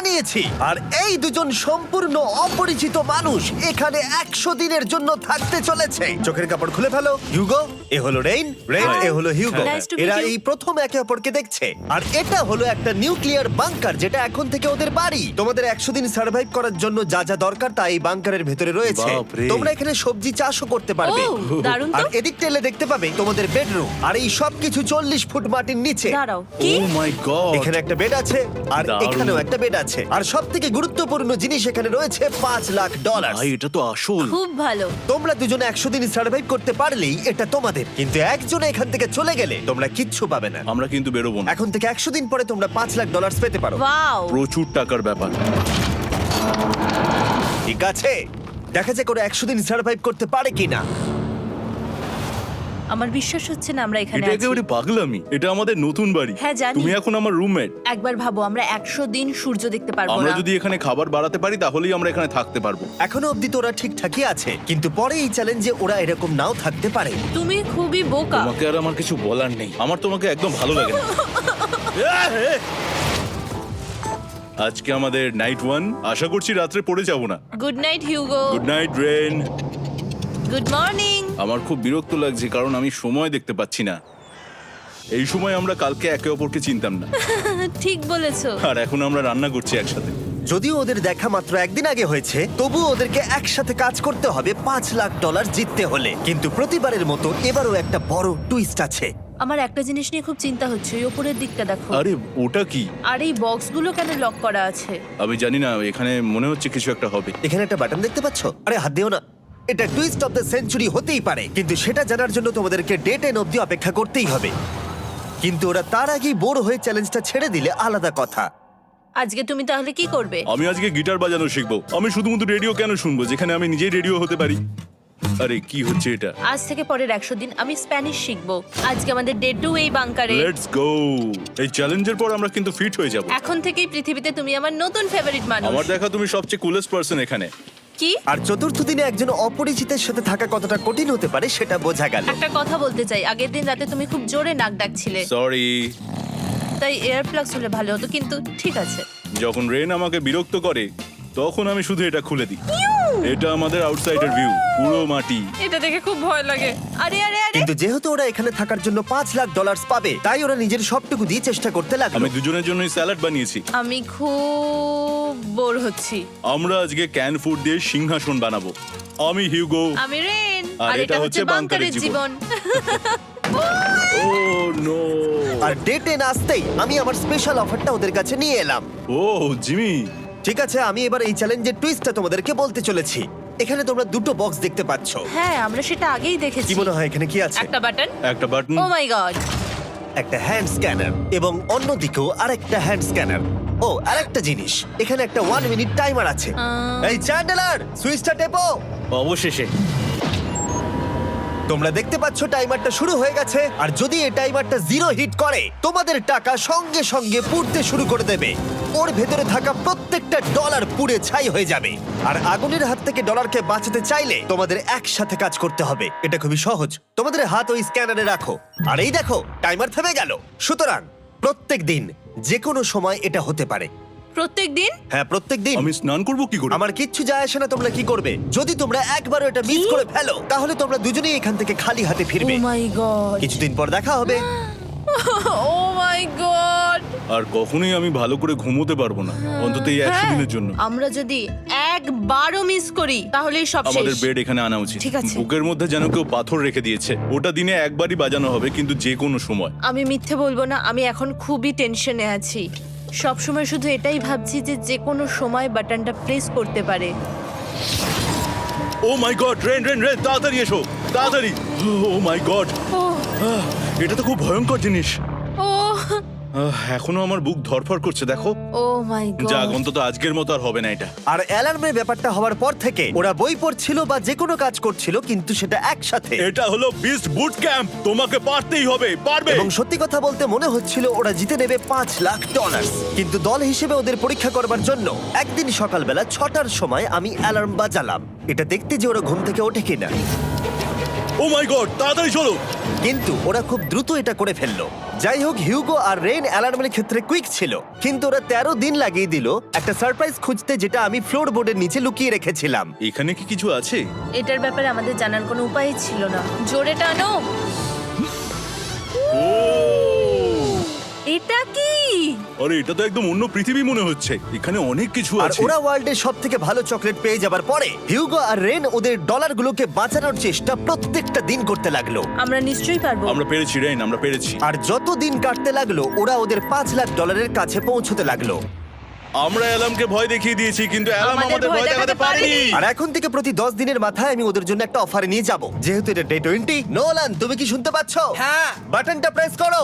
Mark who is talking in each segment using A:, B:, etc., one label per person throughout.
A: বানিয়েছি। আর এই দুজন সম্পূর্ণ অপরিচিত মানুষ এখানে 100 দিনের জন্য থাকতে চলেছে। চোখের কাপড় খুলে ফেলো। হিউগো, এ হলো রেইন, এ হলো হিউগো।
B: Nice to meet
A: এরা
B: you.
A: এই প্রথম একে অপরকে দেখছে। আর এটা হলো একটা নিউক্লিয়ার বাংকার, যেটা এখন থেকে ওদের বাড়ি। তোমাদের 100 দিন সার্ভাইভ করার জন্য যা যা দরকার তা এই বাংকারের ভেতরে রয়েছে।
C: বাপরে।
A: তোমরা এখানে সবজি চাষও করতে পারবে।
B: ও, দারুণ তো।
A: আর এদিক টেলে দেখতে পাবে তোমাদের বেডরুম। আর এই সবকিছু 40 ফুট মাটির নিচে।
B: দাঁড়াও,
C: ও
B: কি?
C: My god.
A: এখানে একটা বেড আছে, আর
C: দারুণ।
A: এখানেও একটা বেড আছে। আর সবথেকে গুরুত্বপূর্ণ জিনিস এখানে রয়েছে $5,00,000।
C: ভাই এটা তো আসল।
B: খুব ভালো।
A: তোমরা দুজনে 100 দিন সার্ভাইভ করতে পারলেই এটা তোমাদের। কিন্তু একজন এখান থেকে চলে গেলে তোমরা কিচ্ছু পাবে না।
C: আমরা কিন্তু বেরোবো না।
A: এখন থেকে 100 দিন পরে তোমরা $5,00,000 পেতে পারো।
B: ওয়াও।
C: প্রচুর টাকার ব্যাপার।
A: ঠিক আছে, দেখা যাক ওরা 100 দিন সার্ভাইভ করতে পারে কিনা।
B: আমার বিশ্বাস হচ্ছে না আমরা এখানে
C: এটা
B: আছি।
C: একেবারে পাগলামি। এটা আমাদের নতুন বাড়ি।
B: হ্যাঁ, জানি।
C: তুমি এখন আমার রুমমেট।
B: একবার ভাবো, আমরা 100 দিন সূর্য দেখতে পারবো
C: আমরা
B: না।
C: যদি এখানে খাবার বাড়াতে পারি তাহলেই আমরা এখানে থাকতে পারবো।
A: এখনো অব্দি তো ওরা ঠিকঠাকই আছে, কিন্তু পরে এই চ্যালেঞ্জে ওরা এরকম নাও থাকতে পারে।
B: তুমি খুবই বোকা।
C: তোমাকে আর আমার কিছু বলার নেই। আমার তোমাকে একদম ভালো লাগে না। আজকে আমাদের নাইট 1। আশা করছি রাত্রে পড়ে যাব না।
B: Good night Hugo.
C: Good night Ren.
B: Good morning.
C: আমার খুব বিরক্ত লাগছে কারণ আমি সময় দেখতে পাচ্ছি না। এই সময় আমরা কালকে একে অপরকে চিনতাম না,
B: ঠিক বলেছো।
C: আর এখন আমরা রান্না করছি একসাথে।
A: যদিও ওদের দেখা মাত্র একদিন আগে হয়েছে, তবুও ওদেরকে একসাথে কাজ করতে হবে $5,00,000 জিততে হলে। কিন্তু প্রতিবারের মতো এবারও একটা বড় টুইস্ট আছে।
B: আমার একটা জিনিস নিয়ে খুব চিন্তা হচ্ছে, ওই উপরের দিকটা দেখো।
C: আরে ওটা কি?
B: আর এই বক্সগুলো কেন লক করা আছে?
C: আমি জানি না, এখানে মনে হচ্ছে কিছু একটা হবে।
A: এখানে একটা বাটন দেখতে পাচ্ছ? আরে হাত দিও না। এটা টুইস্ট অফ দ্য সেঞ্চুরি হতেই পারে, কিন্তু সেটা জানার জন্য তোমাদেরকে ডে 10 অব্দি অপেক্ষা করতেই হবে। কিন্তু ওরা তার আগেই বোর হয়ে চ্যালেঞ্জটা ছেড়ে দিলে আলাদা কথা।
B: আজকে তুমি তাহলে কি করবে?
C: আমি আজকে গিটার বাজানো শিখবো। আমি শুধুমাত্র রেডিও কেন শুনবো যেখানে আমি নিজেই রেডিও হতে পারি? আরে কি হচ্ছে এটা?
B: আজ থেকে পরের 100 দিন আমি স্প্যানিশ শিখবো। আজকে আমাদের ডে 2 এই বাংকারে।
C: Let's go. এই চ্যালেঞ্জের পর আমরা কিন্তু ফিট হয়ে যাব।
B: এখন থেকেই পৃথিবীতে তুমি আমার নতুন ফেভারিট মানুষ।
C: আমার দেখা তুমি সবচেয়ে কুলেস্ট পারসন এখানে।
B: কি?
A: আর চতুর্থ দিনে একজন অপরিচিতের সাথে থাকা কতটা কঠিন হতে পারে সেটা বোঝা গেল।
B: একটা কথা বলতে চাই, আগের দিন রাতে তুমি খুব জোরে নাক ডাকছিলে,
C: সরি।
B: তাই এয়ার প্লাগস হলে ভালো হতো, কিন্তু ঠিক আছে।
C: যখন রেন আমাকে বিরক্ত করে তখন আমি শুধু এটা খুলে দিই। এটা আমাদের আউটসাইডার ভিউ, পুরো মাটি।
B: এটা দেখে খুব ভয় লাগে। আরে আরে আরে,
A: কিন্তু যেহেতু ওরা এখানে থাকার জন্য $5,00,000 পাবে, তাই ওরা নিজের সবটুকু দিয়ে চেষ্টা করতে লাগলো।
C: আমি দুজনের জন্যই স্যালাড বানিয়েছি।
B: আমি খুব বোর হচ্ছি।
C: আমরা আজকে ক্যান ফুড দিয়ে সিংহাসন বানাবো। আমি হিউগো।
B: আমি রেন,
C: আর
B: আর এটা হচ্ছে বাংকারের জীবন।
C: ও নো।
A: আর ডে 10 আসতেই আমি আমার স্পেশাল অফারটা ওদের কাছে নিয়ে এলাম।
C: ও জিমি।
A: ঠিক আছে, আমি এবার এই চ্যালেঞ্জের টুইস্টটা তোমাদেরকে বলতে চলেছি। এখানে তোমরা দুটো বক্স দেখতে পাচ্ছ।
B: হ্যাঁ, আমরা সেটা আগেই দেখেছি।
A: কি মনে হয় এখানে কি আছে?
B: একটা বাটন।
C: একটা বাটন।
B: Oh my god.
A: একটা হ্যান্ড স্ক্যানার, এবং অন্যদিকেও আরেকটা হ্যান্ড স্ক্যানার। ও, আরেকটা জিনিস, এখানে একটা 1 মিনিট টাইমার আছে। এই চ্যান্ডেলার, সুইচটা টেপো।
C: অবশেষে।
A: তোমরা দেখতে পাচ্ছ টাইমারটা শুরু হয়ে গেছে, আর যদি এই টাইমারটা 0 হিট করে তোমাদের টাকা সঙ্গে সঙ্গে পুড়তে শুরু করে দেবে। ওর ভেতরে থাকা প্রত্যেকটা ডলার পুড়ে ছাই হয়ে যাবে। আর আগুনের হাত থেকে ডলারকে বাঁচাতে চাইলে তোমাদের একসাথে কাজ করতে হবে। এটা খুবই সহজ। তোমাদের হাত ওই স্ক্যানারে রাখো, আর এই দেখো টাইমার থেমে গেল। সুতরাং প্রত্যেক দিন যে কোনো সময় এটা হতে পারে।
B: প্রত্যেক দিন?
A: হ্যাঁ, প্রত্যেক দিন।
C: আমি স্নান করব কি করে?
A: আমার কিচ্ছু যায় আসে না তোমরা কি করবে। যদি তোমরা একবারও এটা মিস করে ফেলো, তাহলে তোমরা দুজনেই এখান থেকে খালি হাতে
B: ও
A: ফিরবে।
B: My god.
A: কিছুদিন পর দেখা হবে।
B: ও মাই গড।
C: আর কখনোই আমি ভালো করে ঘুমোতে পারবো না, অন্তত এই 100 দিনের জন্য।
B: আমরা যদি একবারও মিস করি তাহলেই সব
C: আমাদের
B: শেষ।
C: বেড এখানে আনা উচিত।
B: ঠিক আছে।
C: বুকের মধ্যে যেন কেউ পাথর রেখে দিয়েছে। ওটা দিনে একবারই বাজানো হবে, কিন্তু যে কোনো সময়।
B: আমি মিথ্যে বলবো না, আমি এখন খুবই টেনশনে আছি। সব সময় শুধু এটাই ভাবছি যে যে কোনো সময় বাটনটা প্রেস করতে পারে।
C: Oh my god, Ren Ren Ren, তাড়াতাড়ি এসো, তাড়াতাড়ি। ও মাই গড,
B: ও
C: এটা তো খুব ভয়ঙ্কর জিনিস।
B: ও
C: এখনো আমার বুক ধরফর করছে, দেখো।
B: Oh my god.
C: যাক, অন্তত আজকের মতো আর হবে না এটা।
A: আর অ্যালার্মের ব্যাপারটা হওয়ার পর থেকে ওরা বই পড়ছিল বা যে কোনো কাজ করছিল, কিন্তু সেটা একসাথে।
C: এটা হলো বিস্ট বুট ক্যাম্প, তোমাকে পারতেই হবে, পারবে।
A: এবং সত্যি কথা বলতে মনে হচ্ছিল ওরা জিতে নেবে $5,00,000। কিন্তু দল হিসেবে ওদের পরীক্ষা করবার জন্য একদিন সকালবেলা 6টার সময় আমি অ্যালার্ম বাজালাম, এটা দেখতে যে ওরা ঘুম থেকে ওঠে কিনা।
C: ও মাই গড, তাড়াতাড়ি চলো।
A: কিন্তু ওরা খুব দ্রুত এটা করে ফেললো। যাই হোক, হিউগো আর রেন অ্যালার্মের ক্ষেত্রে কুইক ছিল, কিন্তু ওরা 13 দিন লাগিয়ে দিল একটা সারপ্রাইজ খুঁজতে, যেটা আমি ফ্লোর বোর্ডের নিচে লুকিয়ে রেখেছিলাম।
C: এখানে কি কিছু আছে?
B: এটার ব্যাপারে আমাদের জানার কোনো উপায় ছিল না। জোরে টানো।
C: ও
B: এটা কি?
C: আরে, এটা তো একদম অন্য পৃথিবী মনে হচ্ছে। এখানে অনেক কিছু
A: আর
C: আছে।
A: ওরা ওয়ার্ল্ডের সব থেকে ভালো চকলেট পেয়ে যাবার পরে হিউগো আর রেন ওদের ডলারগুলোকে বাঁচানোর চেষ্টা প্রত্যেকটা দিন করতে লাগলো।
B: আমরা নিশ্চয়ই পারবো।
C: আমরা পেরেছি রেন, আমরা পেরেছি।
A: আর যত দিন কাটতে লাগলো, ওরা ওদের $5,00,000 কাছে পৌঁছতে লাগলো।
C: আমরা অ্যালামকে ভয় দেখিয়ে দিয়েছি, কিন্তু অ্যালাম
B: আমাদের
C: আমাদের
B: ভয়
C: ভয় দেখাতে
B: দেখাতে
C: পারেনি।
B: পারেনি।
A: আর এখন থেকে প্রতি 10 দিনের মাথায় আমি ওদের জন্য একটা অফার নিয়ে যাব, যেহেতু এটা ডে 20। নোলান, তুমি কি শুনতে পাচ্ছ?
D: হ্যাঁ।
A: বাটনটা প্রেস করো।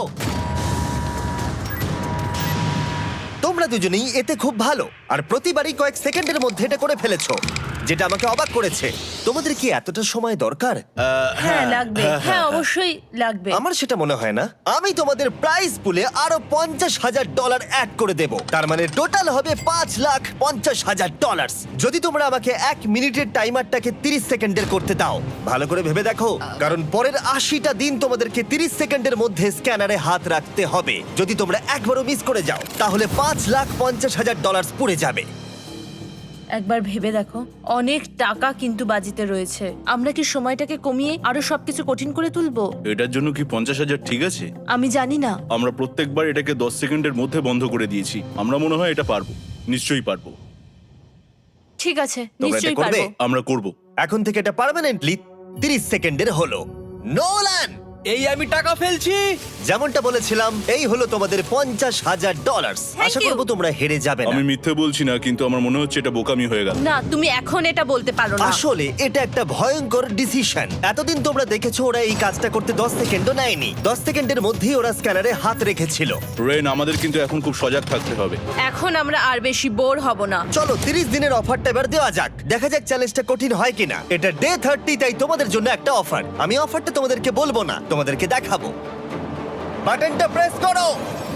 A: তোমরা দুজনেই এতে খুব ভালো, আর প্রতিবারই কয়েক সেকেন্ডের মধ্যে এটা করে ফেলেছো, যেটা আমাকে অবাক করেছে। তোমাদের কি এতটা সময় দরকার?
B: হ্যাঁ লাগবে, হ্যাঁ অবশ্যই লাগবে।
A: আমার সেটা মনে হয় না। আমি তোমাদের প্রাইস পুলে আরো $50,000 অ্যাড করে দেব, তার মানে টোটাল হবে $5,50,000। যদি তোমরা আমাকে 1 মিনিটের টাইমারটাকে 30 সেকেন্ডের করতে দাও। ভালো করে ভেবে দেখো, কারণ পরের 80টা দিন তোমাদেরকে 30 সেকেন্ডের মধ্যে স্ক্যানারে হাত রাখতে হবে। যদি তোমরা একবারও মিস করে যাও, তাহলে $5,50,000 পুড়ে যাবে।
B: একবার ভেবে দেখো, অনেক টাকা কিন্তু বাজিতে রয়েছে। আমরা কি সময়টাকে কমিয়ে আরো সবকিছু কঠিন করে তুলবো?
C: এটার জন্য কি 50,000 ঠিক আছে?
B: আমি জানি না।
C: আমরা প্রত্যেকবার এটাকে 10 সেকেন্ডের মধ্যে বন্ধ করে দিয়েছি। আমরা মনে হয় এটা পারবো, নিশ্চয়ই পারবো।
B: ঠিক আছে,
A: তোমরা এটা
B: নিশ্চয়ই
A: করবে?
B: পারবো।
C: আমরা করব।
A: এখন থেকে এটা পার্মানেন্টলি 30 সেকেন্ডের হলো। নোলান,
D: এই আমি টাকা ফেলছি।
A: যেমনটা বলেছিলাম, এই হলো তোমাদের $50,000।
B: Thank
A: Asha
B: you.
A: করবো তোমরা হেরে যাবে না।
C: আমি মিথ্যে বলছি না, কিন্তু আমার মনে হচ্ছে এটা বোকামি হয়ে গেল।
B: না, তুমি এখন এটা বলতে পারো না।
A: আসলে এটা একটা ভয়ঙ্কর ডিসিশন। এতদিন তোমরা দেখেছো ওরা এই কাজটা করতে 10 সেকেন্ডও নেয়নি। 10 সেকেন্ডের মধ্যেই ওরা স্ক্যানারে হাত রেখেছিল।
C: রেন, আমাদের কিন্তু এখন খুব সজাগ থাকতে হবে।
B: এখন আমরা আর বেশি বোর হব না।
A: চলো 30 দিনের অফারটা এবার দেওয়া যাক, দেখা যাক চ্যালেঞ্জটা কঠিন হয় কিনা। এটা ডে 30, তাই তোমাদের জন্য একটা অফার। আমি অফারটা তোমাদেরকে বলবো না, তোমাদেরকে দেখাবো। বাটনটা প্রেস করো।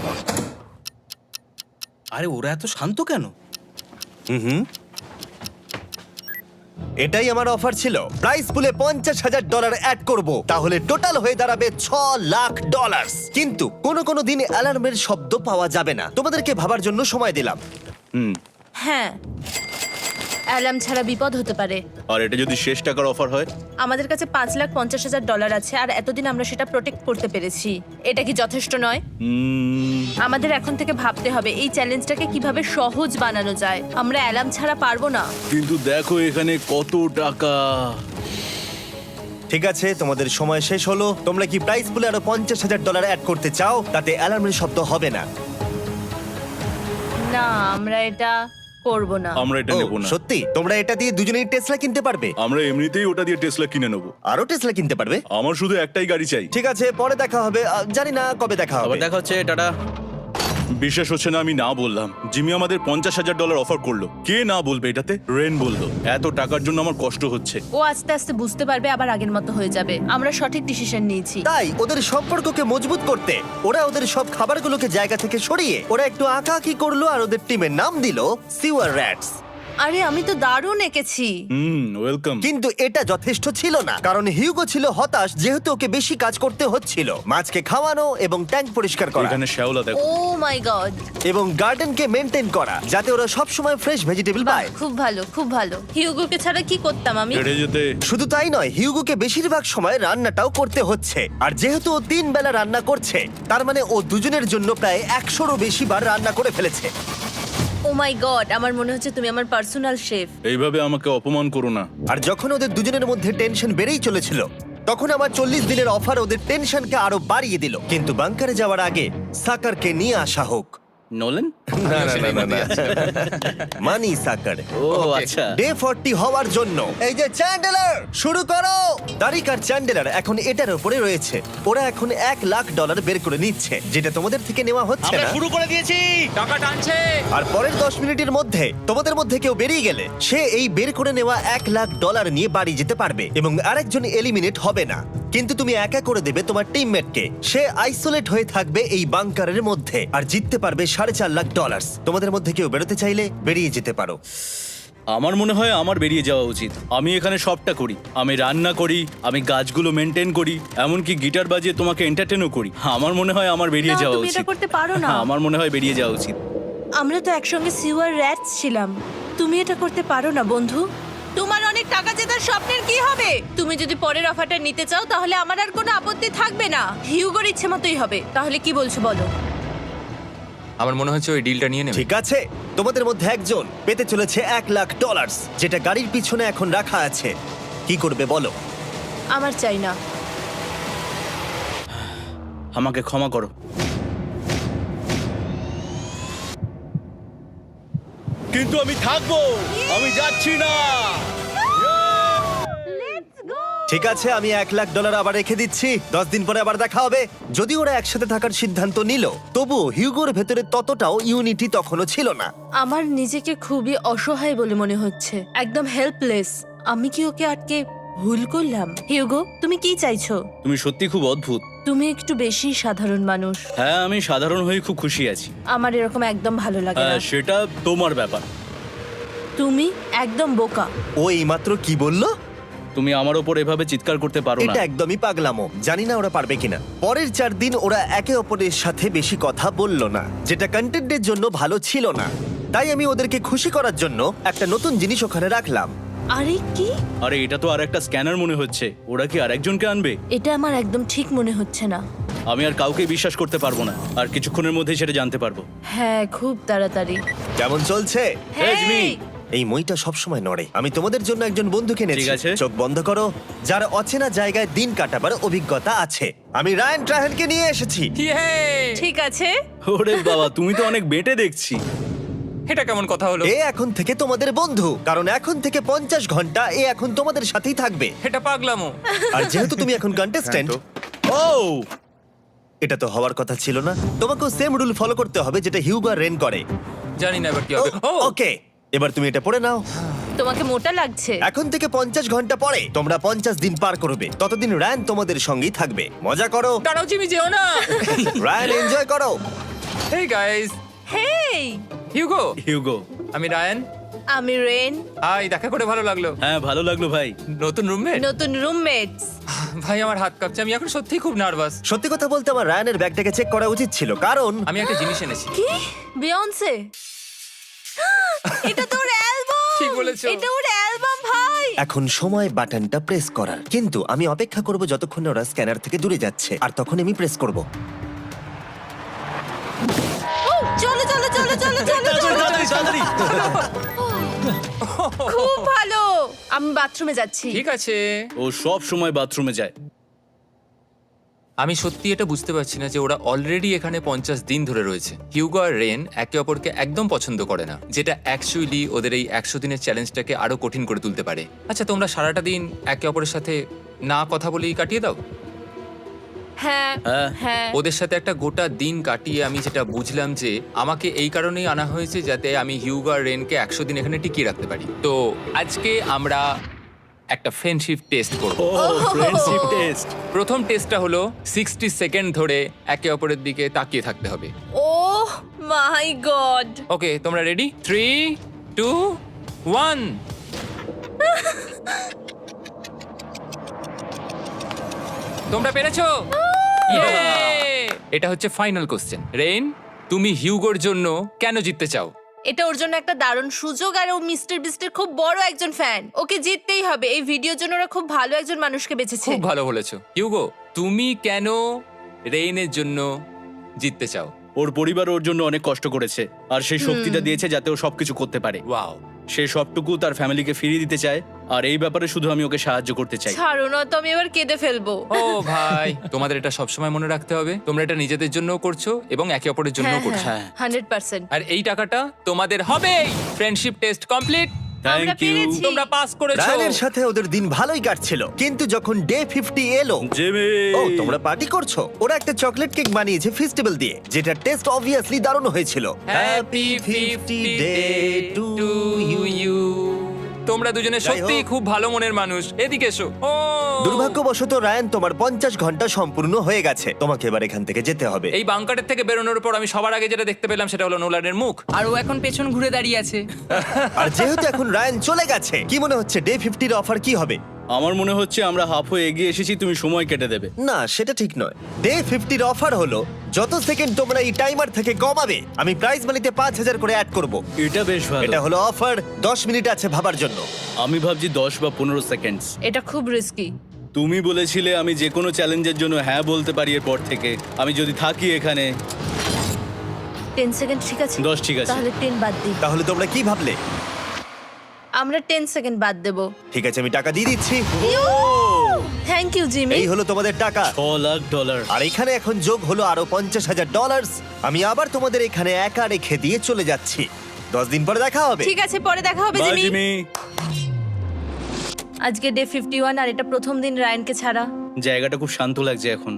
D: আরে ওরা এত শান্ত কেন?
A: এটাই আমার অফার ছিল। প্রাইস পুলে $50,000 অ্যাড করব, তাহলে টোটাল হয়ে দাঁড়াবে $6,00,000। কিন্তু কোনো দিন অ্যালার্মের শব্দ পাওয়া যাবে না। তোমাদেরকে ভাবার জন্য সময় দিলাম।
B: হ্যাঁ, অ্যালার্ম ছাড়া বিপদ হতে পারে।
C: আর এটা যদি শেষ টাকার অফার হয়?
B: আমাদের কাছে $5,50,000 আছে, আর এতদিন আমরা সেটা প্রোটেক্ট করতে পেরেছি। এটা কি যথেষ্ট নয়? আমাদের এখন থেকে ভাবতে হবে এই চ্যালেঞ্জটাকে কিভাবে সহজ বানানো যায়। আমরা অ্যালার্ম ছাড়া পারবো না।
C: কিন্তু দেখো এখানে কত টাকা।
A: ঠিক আছে, তোমাদের সময় শেষ হলো। তোমরা কি প্রাইস পুলে আরো $50,000 অ্যাড করতে চাও? তাতে অ্যালার্মের শব্দ হবে না।
B: না, আমরা এটা করব না।
C: আমরা এটা
A: ও,
C: নেব না।
A: সত্যি? তোমরা এটা দিয়ে দুজনেই টেসলা কিনতে পারবে?
C: আমরা এমনিতেই ওটা দিয়ে টেসলা কিনে নেব।
A: আরো টেসলা কিনতে পারবে?
C: আমার শুধু একটাই গাড়ি চাই।
A: ঠিক আছে, পরে দেখা হবে। জানি না কবে দেখা
D: আবার
A: হবে।
D: দেখা হচ্ছে, টাটা।
C: বিশ্বাস হচ্ছে না আমি না বললাম। জিমি আমাদের $50,000 অফার করলো। কে না বলবে এটাতে? রেন বললো। এত টাকার জন্য আমার কষ্ট হচ্ছে।
B: ও আস্তে আস্তে বুঝতে পারবে, আবার আগের মতো হয়ে যাবে। আমরা সঠিক ডিসিশন নিয়েছি।
A: তাই ওদের সম্পর্ককে মজবুত করতে ওরা ওদের সব খাবারগুলোকে জায়গা থেকে সরিয়ে ওরা একটু আঁকাআঁকি করলো, আর ওদের টিমের নাম দিল সিওয়ার র্যাটস।
B: আরে আমি তো দারুণ এঁকেছি।
C: ওয়েলকাম।
A: কিন্তু এটা যথেষ্ট ছিল না, কারণ হিউগো ছিল হতাশ, যেহেতু ওকে বেশি কাজ করতে হচ্ছিল। মাছকে খাওয়ানো এবং ট্যাঙ্ক পরিষ্কার করা
C: এখানে শ্যাওলা দেখো।
B: ও মাই গড,
A: এবং গার্ডেনকে মেনটেন করা, যাতে ওরা সব সময় ফ্রেশ ভেজিটেবল পায়।
B: খুব ভালো, খুব ভালো। হিউগোকে ছাড়া কি করতাম আমি?
C: হেঁটে যেতে।
A: শুধু তাই নয়, হিউগোকে বেশিরভাগ সময় রান্নাটাও করতে হচ্ছে। আর যেহেতু ও 3 বেলা রান্না করছে, তার মানে ও দুজনের জন্য প্রায় 100রও বেশি বার রান্না করে ফেলেছে।
B: ও মাই গড, আমার মনে হচ্ছে তুমি আমার পার্সোনাল শেফ।
C: এইভাবে আমাকে অপমান করো না।
A: আর যখন ওদের দুজনের মধ্যে টেনশন বেড়েই চলেছিল, তখন আমার 40 দিনের অফার ওদের টেনশনকে আরো বাড়িয়ে দিল। কিন্তু বাংকারে যাওয়ার আগে সাকারকে নিয়ে আসা হোক।
D: নোলেন?
A: মানি সাকার।
D: ও আচ্ছা।
A: ডে 40 হওয়ার জন্য এই যে চ্যান্ডেলার শুরু করো। তারিক আর চ্যান্ডেলার এখন এটার উপরে রয়েছে। ওরা এখন $1,00,000 বের করে নিচ্ছে, যেটা তোমাদের থেকে নেওয়া হচ্ছে
D: আমরা
A: না।
D: শুরু করে দিয়েছি, টাকা টানছে।
A: আর পরের 10 মিনিটের মধ্যে তোমাদের মধ্যে কেউ বেরিয়ে গেলে সে এই বের করে নেওয়া $1,00,000 নিয়ে বাড়ি যেতে পারবে, এবং আরেকজন এলিমিনেট হবে না। কিন্তু তুমি একা করে দেবে তোমার টিমমেটকে। সে আইসোলেট হয়ে থাকবে এই বাংকারের মধ্যে, আর জিততে পারবে $4.5 লাখ। তোমাদের মধ্যে কেউ বেরোতে চাইলে বেরিয়ে যেতে পারো।
C: আমার মনে হয় আমার বেরিয়ে যাওয়া উচিত। আমি এখানে সবটা করি, আমি রান্না করি, আমি গাছগুলো মেনটেন করি, এমনকি গিটার বাজিয়ে তোমাকে এন্টারটেনও করি। আমার মনে হয় আমার বেরিয়ে
B: না,
C: যাওয়া
B: তুমি এটা
C: উচিত।
B: করতে পারো না।
C: আমার মনে হয় বেরিয়ে যাওয়া উচিত।
B: আমরা তো একসঙ্গে সিওয়ার র্যাটস ছিলাম। তুমি এটা করতে পারো না বন্ধু। তোমার অনেক টাকা জেতার স্বপ্নের কি হবে? তুমি যদি পরের অফারটা নিতে চাও তাহলে আমার আর কোনো আপত্তি থাকবে না। হিউগোর ইচ্ছে মতোই হবে। তাহলে কি বলছো বলো?
E: আমার মনে হচ্ছে ওই ডিলটা নিয়ে নেবে।
A: ঠিক আছে, তোমাদের মধ্যে একজন পেতে চলেছে $1,00,000, যেটা গাড়ির পিছনে এখন রাখা আছে। কি করবে বলো?
B: আমার চাই না।
C: আমাকে ক্ষমা করো। কিন্তু আমি থাকবো, আমি যাচ্ছি না।
A: ঠিক আছে, আমি $1,00,000 আবার রেখে দিচ্ছি। 10 দিন পরে আবার দেখা হবে। যদি ওরা একসাথে থাকার সিদ্ধান্ত নিল, তবুও হিউগোর ভেতরে ততটাও ইউনিটি তখনও ছিল না।
B: আমার নিজেকে খুবই অসহায় বলে মনে হচ্ছে, একদম হেল্পলেস। আমি কি ওকে আটকে ভুল করলাম? হিউগো, তুমি কি চাইছো?
C: তুমি সত্যি খুব অদ্ভুত।
B: তুমি একটু বেশি সাধারণ মানুষ।
C: হ্যাঁ, আমি সাধারণ হয়ে খুব খুশি আছি।
B: আমার এরকম একদম ভালো লাগে না।
C: সেটা তোমার ব্যাপার।
B: তুমি একদম বোকা।
A: ও এইমাত্র কি বললো?
C: তুমি আমার ওপর এভাবে চিৎকার করতে পারো না।
A: এটা একদমই পাগলামো। জানি না ওরা পারবে কিনা। পরের 4 দিন ওরা একে অপরের সাথে বেশি কথা বলল না, যেটা কন্টেন্টের জন্য ভালো ছিল না। তাই আমি ওদেরকে খুশি করার জন্য একটা নতুন জিনিস ওখানে রাখলাম।
B: আরে কি?
C: আরে এটা তো আর একটা স্ক্যানার মনে হচ্ছে। ওরা কি আরেকজনকে আনবে?
B: এটা আমার একদম ঠিক মনে হচ্ছে না।
C: আমি আর কাউকে বিশ্বাস করতে পারবো না। আর কিছুক্ষণের মধ্যেই সেটা জানতে পারবো।
B: হ্যাঁ, খুব তাড়াতাড়ি।
A: কেমন চলছে?
C: Hey, Jimmy!
A: এই মইটা সবসময় নড়ে। আমি তোমাদের জন্য একজন বন্ধুকে এনেছি।
C: ঠিক আছে।
A: চোখ বন্ধ করো। যার অচেনা জায়গায় দিন কাটাবার অভিজ্ঞতা আছে। আমি রায়ান ট্রাহেনকে নিয়ে এসেছি।
E: ইয়ে!
B: ঠিক আছে।
C: ওরে বাবা, তুমি তো অনেক বেটে দেখছি।
E: এটা কেমন কথা হলো?
A: এ এখন থেকে তোমাদের বন্ধু, কারণ এখন থেকে 50 ঘন্টা এ এখন তোমাদের সাথেই থাকবে।
E: এটা পাগলামো।
A: আর যেহেতু তুমি এখন কন্টেস্ট্যান্ট,
C: ও
A: এটা তো হওয়ার কথা ছিল না। তোমাকেও সেম রুল ফলো করতে হবে যেটা হিউগো আর রেন করে।
E: জানি না এবার কি হবে। ও
A: ওকে, এবার তুমি এটা পড়ে নাও।
B: তোমাকে মোটা লাগছে।
A: এখন থেকে 50 ঘন্টা পরে তোমরা 50 দিন পার করবে। ততদিন রায়ান তোমাদের সঙ্গেই থাকবে। মজা করো।
E: দাঁড়াও জিমি, যেও না।
A: রায়ান, এনজয় করো।
E: Hey guys,
B: hey,
E: Hugo.
C: Hugo.
E: আমি রায়ান।
B: আমি রেন।
E: হাই, দেখা করে ভালো লাগলো।
C: হ্যাঁ, ভালো লাগলো ভাই।
E: নতুন রুমমেট।
B: নতুন রুমমেটস।
E: ভাই আমার হাত কাঁপছে, আমি এখন সত্যিই খুব নার্ভাস।
A: সত্যি কথা বলতে আমার রায়ানের ব্যাগটাকে চেক করা উচিত ছিল, কারণ
E: আমি একটা জিনিস এনেছি।
B: কি? বিয়ন্সে? এটা তো ওর অ্যালবাম।
E: ঠিক বলেছো।
B: এটা ওর অ্যালবাম ভাই।
A: এখন সময় বাটনটা প্রেস করার। কিন্তু আমি অপেক্ষা করব যতক্ষণ না ওরা স্ক্যানার থেকে দূরে যাচ্ছে, আর তখন আমি প্রেস করব।
B: ও, চলো চলো চলো চলো চলো চলো।
C: তাড়াতাড়ি।
B: খুব ভালো। আমি বাথরুমে যাচ্ছি।
E: ঠিক আছে।
C: ও সব সময় বাথরুমে যায়।
E: আমি সত্যি এটা বুঝতে পারছি না যে ওরা অলরেডি এখানে 50 দিন ধরে রয়েছে। হিউগো আর রেন একে অপরকে একদম পছন্দ করে না, যেটা অ্যাকচুয়ালি ওদের এই 100 দিনের চ্যালেঞ্জটাকে আরো কঠিন করে তুলতে পারে। আচ্ছা, তোমরা সারাটা দিন একে অপরের সাথে না কথা বলেই কাটিয়ে দাও?
B: হ্যাঁ
C: হ্যাঁ।
B: হ্যাঁ।
E: ওদের সাথে একটা গোটা দিন কাটিয়ে আমি যেটা বুঝলাম যে আমাকে এই কারণেই আনা হয়েছে যাতে আমি হিউগো আর রেনকে 100 দিন এখানে টিকিয়ে রাখতে পারি। তো আজকে আমরা একটা ফ্রেন্ডশিপ টেস্ট করব।
C: ও ফ্রেন্ডশিপ টেস্ট।
E: প্রথম টেস্টটা হলো 60 সেকেন্ড ধরে একে অপরের দিকে তাকিয়ে থাকতে হবে।
B: ওহ মাই গড।
E: ওকে, তোমরা রেডি? 3, 2, 1। তোমরা পেরেছো? Yay! এটা হচ্ছে ফাইনাল কোশ্চেন। রেইন, তুমি হিউগোর জন্য কেন জিততে চাও?
B: এটা ওর জন্য একটা দারুণ সুযোগ, আর ও মিস্টার বিস্টের খুব বড় একজন ফ্যান। ওকে জিততেই হবে। এই ভিডিওর জন্য ওরা খুব ভালো একজন মানুষকে বেছেছে।
E: খুব ভালো বলেছো। হিউগো, তুমি কেন রেইনের জন্য জিততে চাও?
C: ওর পরিবার ওর জন্য অনেক কষ্ট করেছে, আর সেই শক্তিটা দিয়েছে যাতে ও সবকিছু করতে পারে।
E: ওয়াও।
C: সে সবটুকু তার ফ্যামিলিকে ফিরিয়ে দিতে চায়, আর এই ব্যাপারে শুধু আমি ওকে সাহায্য করতে চাই।
B: ছাড়ো না তো, আমি এবার কেঁদে ফেলবো।
E: ও ভাই, তোমাদের এটা সবসময় মনে রাখতে হবে। তোমরা এটা নিজেদের জন্যও করছো এবং একে অপরের জন্যও করছো।
C: হ্যাঁ।
B: 100%।
E: আর এই টাকাটা তোমাদের হবেই। Friendship test complete.
B: আমরা
C: থ্যাংক ইউ
B: পেরেছি।
E: তোমরা পাস করেছো।
A: রায়ানের সাথে ওদের দিন ভালোই কাটছিল, কিন্তু যখন ডে 50 এলো,
C: জিমি।
A: ও তোমরা পার্টি করছো। ওরা একটা চকলেট কেক বানিয়েছে ফেস্টিভ্যাল দিয়ে, যেটা টেস্ট অবভিয়াসলি দারুণ হয়েছিল।
E: Happy 50 day to you. তোমরা দুজনে
A: যাই
E: সত্যিই
A: হোক।
E: খুব ভালো মনের মানুষ, এদিকে এসো। ও
A: দুর্ভাগ্যবশত রায়ান, তোমার 50 ঘন্টা সম্পূর্ণ হয়ে গেছে। তোমাকে এবার এখান থেকে যেতে হবে।
E: এই বাংকারের থেকে বেরোনোর পর আমি সবার আগে যেটা দেখতে পেলাম সেটা হলো নোলানের মুখ।
F: আর ও এখন পেছন ঘুরে দাঁড়িয়ে আছে।
A: আর যেহেতু এখন রায়ান চলে গেছে, কি মনে হচ্ছে ডে 50 এর অফার কি হবে?
C: আমার মনে হচ্ছে আমরা হাফ হয়ে এগিয়ে এসেছি, তুমি সময় কেটে দেবে।
A: না, সেটা ঠিক নয়। ডে 50 এর অফার হলো যত সেকেন্ড তোমরা এই টাইমার থেকে কমাবে, আমি প্রাইজ মানিতে 5000 করে অ্যাড করব।
C: এটা বেশ ভালো।
A: এটা হলো অফার। 10 মিনিট আছে ভাবার জন্য।
C: আমি ভাবছি 10 বা 15 সেকেন্ডস।
B: এটা খুব রিস্কি।
C: তুমি বলেছিলে আমি যে কোনো চ্যালেঞ্জের জন্য হ্যাঁ বলতে পারি এরপর থেকে। আমি যদি থাকি এখানে
B: 10 সেকেন্ড ঠিক আছে?
C: 10 ঠিক আছে।
B: তাহলে 10 বাদ দিই।
A: তাহলে তোমরা কি ভাবলে?
B: আমরা 10 সেকেন্ড বাদ দেব।
A: ঠিক আছে, আমি টাকা দিয়ে দিচ্ছি।
B: Thank you Jimmy.
A: এই হলো তোমাদের টাকা।
C: $6,00,000।
A: আর এখানে এখন যোগ হলো আরো $50,000। আমি আবার তোমাদের এখানে একা রেখে দিয়ে চলে যাচ্ছি। 10 দিন পরে দেখা হবে।
B: ঠিক আছে, পরে দেখা হবে
C: বাই
B: জিমি।
C: জিমি।
B: আজকে ডে 51 আর এটা প্রথম দিন রায়ানকে ছাড়া।
C: জায়গাটা খুব শান্ত লাগছে এখন।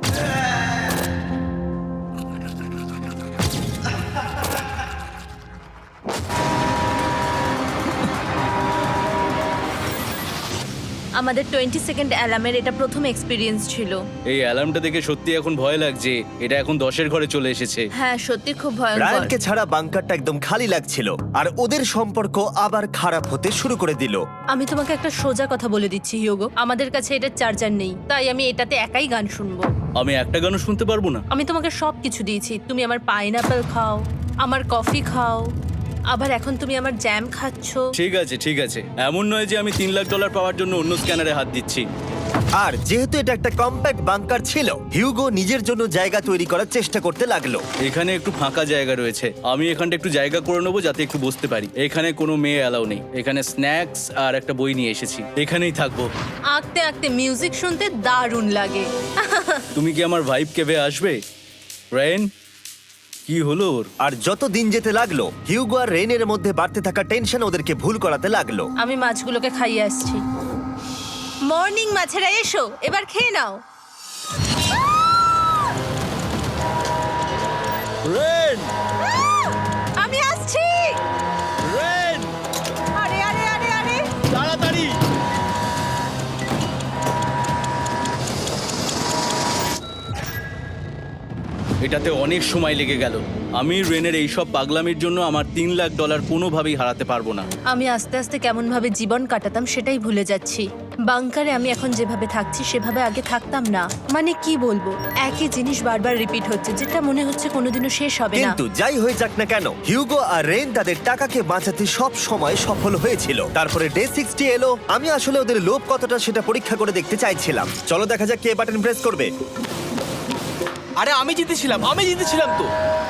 B: আমাদের 20 সেকেন্ড অ্যালার্মের এটা প্রথম এক্সপিরিয়েন্স ছিল।
C: এই অ্যালার্মটা দেখে সত্যি এখন ভয় লাগছে। এটা এখন 10-এর ঘরে চলে এসেছে।
B: হ্যাঁ, সত্যি খুব ভয়ঙ্কর।
A: রায়ানকে ছাড়া বাংকারটা একদম খালি লাগছিল, আর ওদের সম্পর্ক আবার খারাপ হতে শুরু করে দিল।
B: আমি তোমাকে একটা সোজা কথা বলে দিচ্ছি হিয়োগো, আমাদের কাছে এটা চার্জার নেই, তাই আমি এটাতে একাই গান শুনবো।
C: আমি একটা গানও শুনতে পারবো না।
B: আমি তোমাকে সব কিছু দিয়েছি, তুমি আমার পাইনাপেল খাও, আমার কফি খাও, আবার এখন তুমি আমার জ্যাম খাচ্ছো।
C: ঠিক আছে ঠিক আছে, এমন নয় যে আমি $3,00,000 পাওয়ার জন্য অন্য স্ক্যানারে হাত দিচ্ছি।
A: আর যেহেতু এটা একটা কম্প্যাক্ট বাংকার ছিল, হিউগো নিজের জন্য জায়গা তৈরি করার চেষ্টা করতে লাগলো।
C: এখানে একটু ফাঁকা জায়গা রয়েছে, আমি এখানটা একটু জায়গা করে নেবো যাতে একটু বসতে পারি। এখানে কোনো মেয়ে অ্যালাউ নেই। এখানে স্ন্যাক্স আর একটা বই নিয়ে এসেছি, এখানেই থাকবো।
B: আঁকতে আঁকতে মিউজিক শুনতে দারুণ লাগে।
C: তুমি কি আমার ভাইব কেভে আসবে? রেন, কি হলো ওর?
A: আর যত দিন যেতে লাগলো, হিউগো আর রেনের মধ্যে বাড়তে থাকা টেনশন ওদেরকে ভুল করাতে লাগলো।
B: আমি মাছগুলোকে খাইয়ে আসছি। মর্নিং মাছেরা, এসো এবার খেয়ে নাও।
C: রেন,
B: আমি আসছি।
C: রেন,
B: আরে আরে আরে আরে,
C: তাড়াতাড়ি। এটাতে অনেক সময় লেগে গেল। আমি রেনের এইসব পাগলামির জন্য আমার $3,00,000 কোনোভাবেই হারাতে পারবো না।
B: আমি আস্তে আস্তে কেমন ভাবে জীবন কাটাতাম সেটাই ভুলে যাচ্ছি। বাংকারে আমি এখন যেভাবে থাকছি সেভাবে আগে থাকতাম না। মানে কি বলবো, একই জিনিস বারবার রিপিট হচ্ছে, যেটা মনে হচ্ছে কোনোদিনও শেষ হবে না।
A: কিন্তু যাই হয়ে যাক না কেন, হিউগো আর রেন তাদের টাকাকে বাঁচাতে সব সময় সফল হয়েছিল। তারপরে ডে 60 এলো। আমি আসলে ওদের লোভ কতটা সেটা পরীক্ষা করে দেখতে চাইছিলাম। চলো দেখা যাক কে বাটন প্রেস করবে।
D: আরে আমি জিতেছিলাম তো।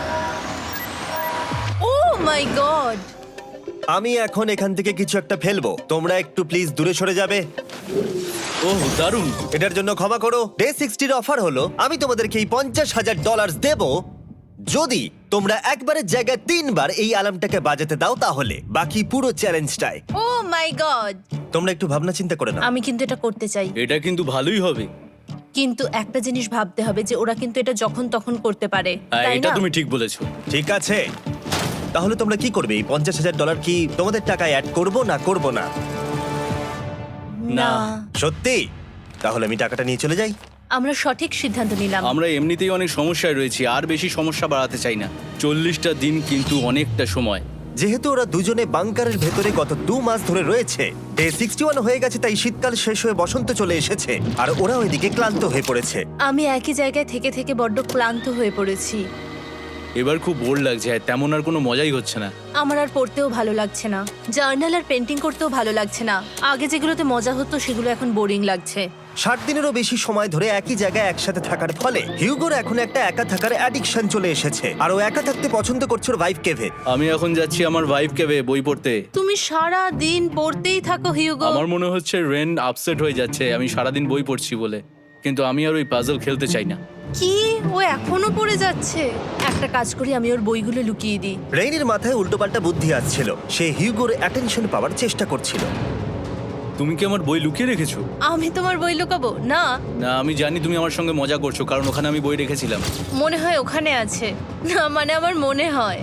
B: Oh my god!
A: আমি এখন এখান থেকে কিছু একটা ফেলবো, তোমরা একটু প্লিজ দূরে সরে যাবে।
C: ওহ দারুণ।
A: এটার জন্য ক্ষমা করো। ডে 60 এর অফার হলো আমি তোমাদেরকে এই $50,000 দেব যদি তোমরা একবারের জায়গায় 3 বার এই অ্যালার্মটাকে বাজাতে দাও, তাহলে বাকি পুরো চ্যালেঞ্জটাই।
B: ও মাই গড!
A: তোমরা একটু ভাবনা চিন্তা করে নাও।
B: আমি কিন্তু এটা করতে চাই,
C: এটা কিন্তু ভালোই হবে।
B: কিন্তু একটা জিনিস ভাবতে হবে যে ওরা কিন্তু এটা যখন তখন করতে পারে,
C: হ্যাঁ,
B: তাই
C: এটা
B: না?
C: তুমি ঠিক বলেছো।
A: ঠিক আছে, তাহলে তোমরা কি করবে? এই $50,000 কি তোমাদের টাকায় অ্যাড করবো না করবো না?
B: না,
A: সত্যি? তাহলে আমি টাকাটা নিয়ে চলে যাই।
B: আমরা সঠিক সিদ্ধান্ত নিলাম।
C: আমরা এমনিতেই অনেক সমস্যায় রয়েছি, আর বেশি সমস্যা বাড়াতে চাই না। 40টা দিন কিন্তু অনেকটা সময়।
A: যেহেতু ওরা দুজনে বাংকারের ভেতরে গত 2 মাস ধরে রয়েছে, ডে 61 হয়ে গেছে, তাই শীতকাল শেষ হয়ে বসন্ত চলে এসেছে, আর ওরা ওইদিকে ক্লান্ত হয়ে পড়েছে।
B: আমি একই জায়গায় থেকে থেকে বড্ড ক্লান্ত হয়ে পড়েছি।
C: এবার খুব বোর লাগছে, তেমন আর কোনো মজাই হচ্ছে না।
B: আমার আর পড়তেও ভালো লাগছে না, জার্নাল আর পেন্টিং করতেও ভালো লাগছে না। আগে যেগুলোতে মজা হতো সেগুলো এখন বোরিং লাগছে।
A: 60 দিনেরও বেশি সময় ধরে একই জায়গায় একসাথে থাকার ফলে হিউগোর এখন একটা একা থাকার অ্যাডিকশন চলে এসেছে, আর ও একা থাকতে পছন্দ করছে ওর ভাইফ কেভে।
C: আমি এখন যাচ্ছি আমার ওয়াইফ কেভে বই পড়তে।
B: তুমি সারা দিন পড়তেই থাকো হিউগো।
C: আমার মনে হচ্ছে রেন আপসেট হয়ে যাচ্ছে আমি সারাদিন বই পড়ছি বলে, কিন্তু আমি আর ওই পাজল খেলতে চাই না।
B: কি, ও এখনো পড়ে যাচ্ছে? একটা কাজ করি, আমি ওর বইগুলো লুকিয়ে দিই।
A: রেইনের মাথায় উল্টোপাল্টা বুদ্ধি আসছিল, সে হিউগোর অ্যাটেনশন পাওয়ার চেষ্টা করছিল।
C: তুমি কি আমার বই লুকিয়ে রেখেছো?
B: আমি তোমার বই লুকাবো না?
C: না, আমি জানি তুমি আমার সঙ্গে মজা করছো, কারণ ওখানে আমি বই রেখেছিলাম।
B: মনে হয় ওখানে আছে। না মানে আমার মনে হয়।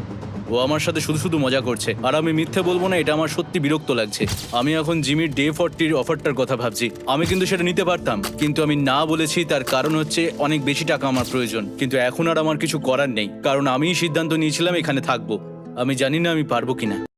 C: ও আমার সাথে শুধু শুধু মজা করছে, আর আমি মিথ্যে বলবো না, এটা আমার সত্যি বিরক্ত লাগছে। আমি এখন জিমির ডে 40 অফারটার কথা ভাবছি। আমি কিন্তু সেটা নিতে পারতাম, কিন্তু আমি না বলেছি। তার কারণ হচ্ছে অনেক বেশি টাকা আমার প্রয়োজন, কিন্তু এখন আর আমার কিছু করার নেই, কারণ আমিই সিদ্ধান্ত নিয়েছিলাম এখানে থাকবো। আমি জানি না আমি পারবো কিনা।